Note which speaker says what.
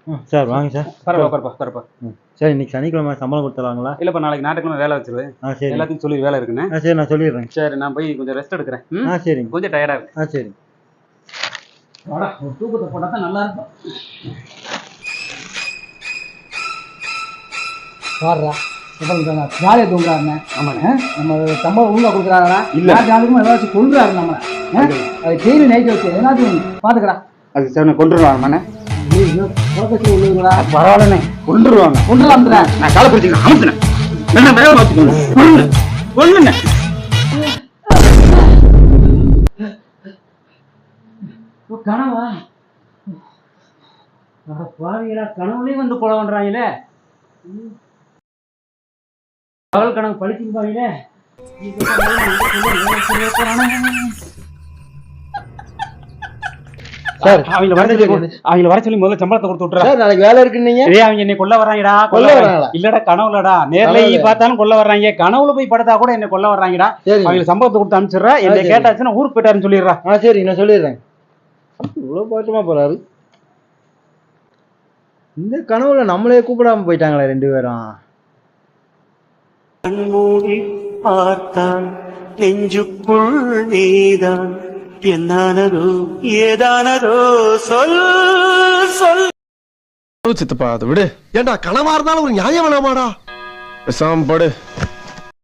Speaker 1: Sir வாங்க sir.
Speaker 2: பரவாயில்ல, உட்காருப்பா உட்காருப்பா.
Speaker 1: சார் இன்னைக்கு சனிக்கிழமை சம்பளம் கொடுத்துருவாங்களா?
Speaker 2: இல்லைப்பா, நாளைக்கு ஞாயிற்றுக்கிழமை வேலை வச்சிருவேன்.
Speaker 1: சரி.
Speaker 2: எல்லாத்தையும் சொல்லி வேலை இருக்குண்ணே.
Speaker 1: சரி நான் சொல்லிடுறேன்.
Speaker 2: சரி, நான் போய் கொஞ்சம் ரெஸ்ட் எடுக்கிறேன்.
Speaker 1: சரிங்க.
Speaker 2: கொஞ்சம் டயர்டாக இருக்கு.
Speaker 1: சரி.
Speaker 2: வாடா, ஒரு தூக்கத்தை போட்டால் தான் நல்லா இருக்கும்.
Speaker 3: பாடுறா ஜாலியாக தூங்குறாருண்ணே.
Speaker 2: ஆமாண்ணே.
Speaker 3: நம்ம சம்பளம் ஒழுங்காக கொடுக்குறாங்களா?
Speaker 2: இல்லை,
Speaker 3: ஜாலிக்கும் ஏதாச்சும் கொள்றாரு நம்ம. அது டெய்லி நைட்டு வச்சு எதனாச்சும் பார்த்துக்கடா.
Speaker 2: அது சார் கொண்டுருவாங்கண்ணே.
Speaker 3: உள்ளதுங்களா?
Speaker 2: பரவாயில்லண்ணே, கொண்டுருவாங்க.
Speaker 3: கொண்டுலாம்ல.
Speaker 2: நான் காலை பிடிச்சிக்கிறேன், அமுத்துனேன். என்ன வேலை வச்சுக்கோங்க, கொள்ளுங்க.
Speaker 3: கனவா? பாவிகளா, கனவுலேயும் வந்து கொலை பண்றாங்களே. பகல் கனவு பழிச்சுன்னு பாவீங்களே.
Speaker 1: சார்
Speaker 2: அவங்கள வர சொல்லி முதல்ல சம்பளத்தை கொடுத்து விட்டுறா.
Speaker 1: சார் நாளைக்கு வேலை இருக்குன்னீங்க.
Speaker 2: அவங்க என்னை கொல்ல வர்றாங்கடா.
Speaker 1: கொல்ல வர்றாங்களா?
Speaker 2: இல்லடா, கனவுலடா. நேர்ல பார்த்தாலும் கொல்ல வர்றாங்க. கனவுல போய் படுத்தா கூட என்ன கொல்ல வர்றாங்கடா. அவங்க சம்பளத்தை கொடுத்து அனுப்பிச்சிடுறா. என்ன கேட்டாச்சுன்னா ஊருக்கு போயிட்டாருன்னு சொல்லிடுறா.
Speaker 1: சரி நான் சொல்லிடுறேன். இவ்வளோ பாட்டமா போறாரு. இந்த கனவுல நம்மளே கூப்பிடாம போயிட்டாங்களே 2 பேரும்.
Speaker 4: கண்மூடி பார்த்தான் நெஞ்சுக்குள் நீதான், என்னானதோ ஏதானதோ சொல் சொல்.
Speaker 5: சித்தப்பா அதை விடு. ஏண்டா கனவா இருந்தாலும் ஒரு நியாயம் வேணாமாடா? பேசாம படு.